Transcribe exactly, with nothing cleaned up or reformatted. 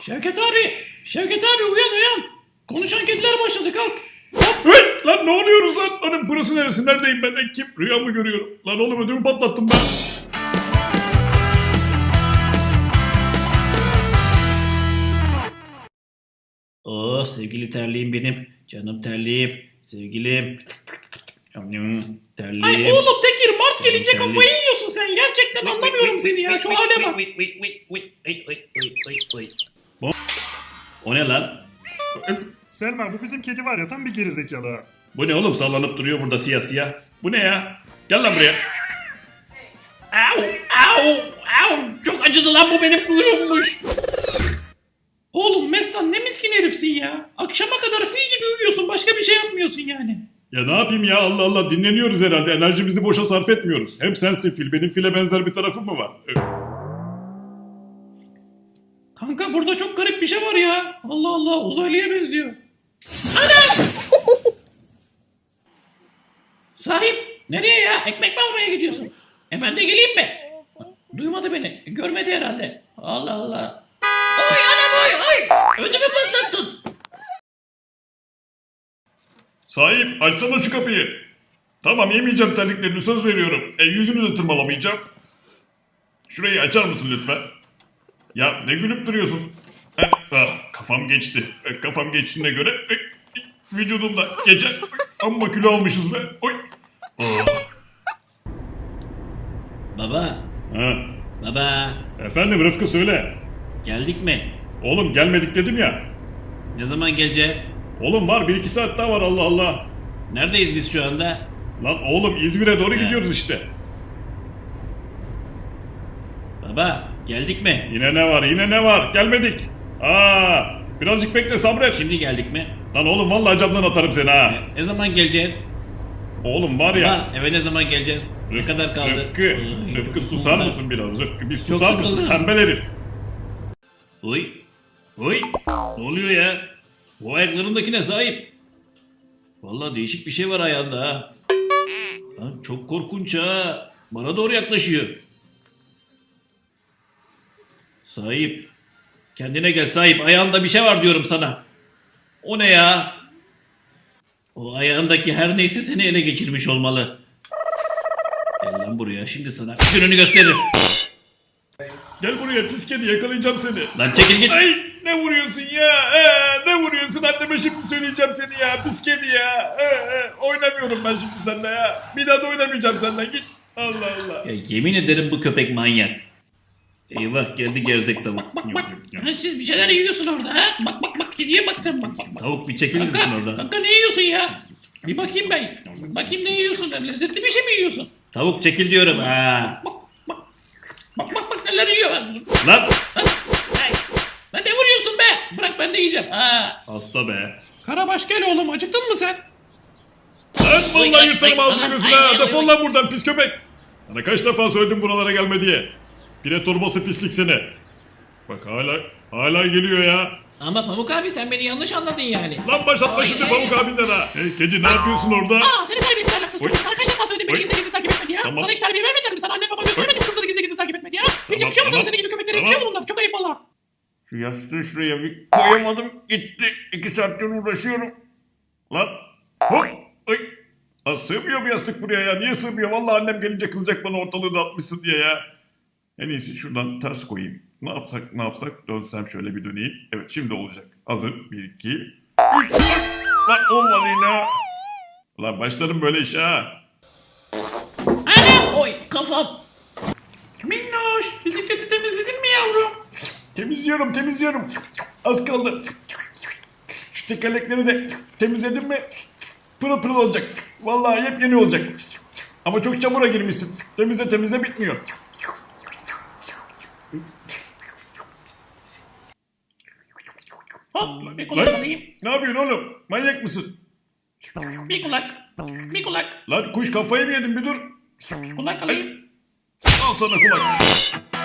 Şevket abi, Şevket abi uyan uyan. Konuşan kediler başladı kalk. Hey, lan ne oluyoruz lan? Lan burası neresi? Neredeyim ben? E, kim? Rüya mı görüyorum? Lan oğlum ödümü patlattım ben. Oh sevgili terliğim benim. Canım terliğim. Sevgilim. Terliğim. Ay oğlum Tekir Mart gelince Terlik. kafayı yiyorsun sen. Gerçekten anlamıyorum seni ya. Şu hale bak. O ne lan? Selma bu bizim kedi var ya tam bir gerizekalı. Bu ne oğlum sallanıp duruyor burada siyah siyah. Bu ne ya? Gel lan buraya. Au au au. Çok acıdı lan bu benim kuyruğummuş. Oğlum Mestan ne miskin herifsin ya. Akşama kadar fil gibi uyuyorsun. Başka bir şey yapmıyorsun yani. Ya ne yapayım ya Allah Allah dinleniyoruz herhalde. Enerjimizi boşa sarf etmiyoruz. Hem sensin fil. Benim file benzer bir tarafım mı var? E, Kanka burada çok garip bir şey var ya. Allah Allah uzaylıya benziyor. Ana! Sahip nereye ya? Ekmek mi almaya gidiyorsun? E ben de geleyim mi? Duymadı beni. Görmedi herhalde. Allah Allah. Oy anam oy oy. Ödümü patlattın. Sahip açsana şu kapıyı. Tamam yemeyeceğim terliklerini söz veriyorum. E yüzünü de tırmalamayacağım. Şurayı açar mısın lütfen? Ya ne gülüp duruyorsun? Eh, ah, kafam geçti. Eh, kafam geçtiğine göre eh, eh, vücudumda geçen amma kilo almışız be. Oy. Oh. Baba. Ha. Baba. Efendim Rıfkı söyle. Geldik mi? Oğlum gelmedik dedim ya. Ne zaman geleceğiz? Oğlum var bir iki saat daha var Allah Allah. Neredeyiz biz şu anda? Lan oğlum İzmir'e doğru He. gidiyoruz işte. Baba geldik mi? Yine ne var yine ne var gelmedik. Aa, birazcık bekle sabret. Şimdi geldik mi? Lan oğlum vallahi camdan atarım seni ha. Ne zaman geleceğiz? Oğlum var ya. Baba eve ne zaman geleceğiz? Ne kadar kaldı? Rıfkı, Ay, Rıfkı çok susar güzel. mısın biraz? Rıfkı bir susar Çok mısın? sıkıldım. Tembel herif. Oy. Oy. Ne oluyor ya? Bu ayaklarındakine sahip. Vallahi değişik bir şey var ayağında ha. Lan çok korkunç ha. Bana doğru yaklaşıyor. Sahip. Kendine gel sahip. Ayağında bir şey var diyorum sana. O ne ya? O ayağındaki her neyse seni ele geçirmiş olmalı. Gel lan buraya şimdi sana gününü gösteririm. Gel buraya pis kedi yakalayacağım seni. Lan çekil git. Ay ne vuruyorsun ya? Ee, ne vuruyorsun? Anneme şimdi söyleyeceğim seni ya. Pis kedi ya. Ee, e, oynamıyorum ben şimdi seninle ya. Bir daha da oynamayacağım seninle. Git. Allah Allah. Ya yemin ederim bu köpek manyak. Eyvah geldi gerzek tavuk. Bak bak. Ha, siz bir şeyler yiyorsun orada ha. Bak bak bak kediye bak sen bak bak. bak. Tavuk bir çekilir misin Kanka, oradan? kanka ne yiyorsun ya? Bir bakayım ben. Bakayım ne yiyorsun? Lezzetli bir şey mi yiyorsun? Tavuk çekil diyorum ha. Bak bak. Bak bak bak neler yiyor. Lan. Lan. Ay. Lan ne vuruyorsun be? Bırak ben de yiyeceğim. Ha. Hasta be. Karabaş gel oğlum acıktın mı sen? Lan Oy, vallahi ay, yırtarım ay, ağzını ay, gözüne. ay, ha. ay, Defol ay. lan buradan pis köpek. Sana kaç defa söyledim buralara gelme diye. Pire torbası pislik seni. Bak hala hala geliyor ya. Ama Pamuk abi sen beni yanlış anladın yani. Lan başlatma Ay, şimdi ay, Pamuk ay. abinden ha. Hey kedi ne yapıyorsun orada? Aa seni terbiyesiz ahlaksız Oy. çocuk. Sana kaç defa söyledim beni Oy. gizli gizli takip etme diye. Tamam. Sana hiç terbiye vermediler mi? Sana anne baba göstermedi mi kızları gizli gizli takip etme diye? Hiç Tamam, yakışıyor mu sana tamam. senin gibi köpeklere? Tamam. Yakışıyor mu bunlar? Çok ayıp valla. Şu yastığı şuraya bir koyamadım gitti. İki saattir uğraşıyorum. Lan hop. Ay. Lan sığmıyor bu yastık buraya ya. Niye sığmıyor? Vallahi annem gelince kılacak bana ortalığı dağıtmışsın diye ya. En iyisi şuradan ters koyayım. Ne yapsak ne yapsak dönsem şöyle bir döneyim. Evet şimdi olacak. Hazır. Bir iki. Üç. Ay. Lan olmadı yine. Lan başlarım böyle işe ha. Anam! Oy kafam. Minnoş bisikleti temizledin mi yavrum? Temizliyorum temizliyorum. Az kaldı. Şu tekerlekleri de temizledim mi pırıl pırıl olacak. Vallahi yepyeni olacak. Ama çok çamura girmişsin. Temizle temizle bitmiyor. Hop bir kulak Lan alayım. ne yapıyorsun oğlum? Manyak mısın? Bir kulak. Bir kulak. Lan kuş kafayı mı yedin bir dur. Kulak alayım. Al sana kulak.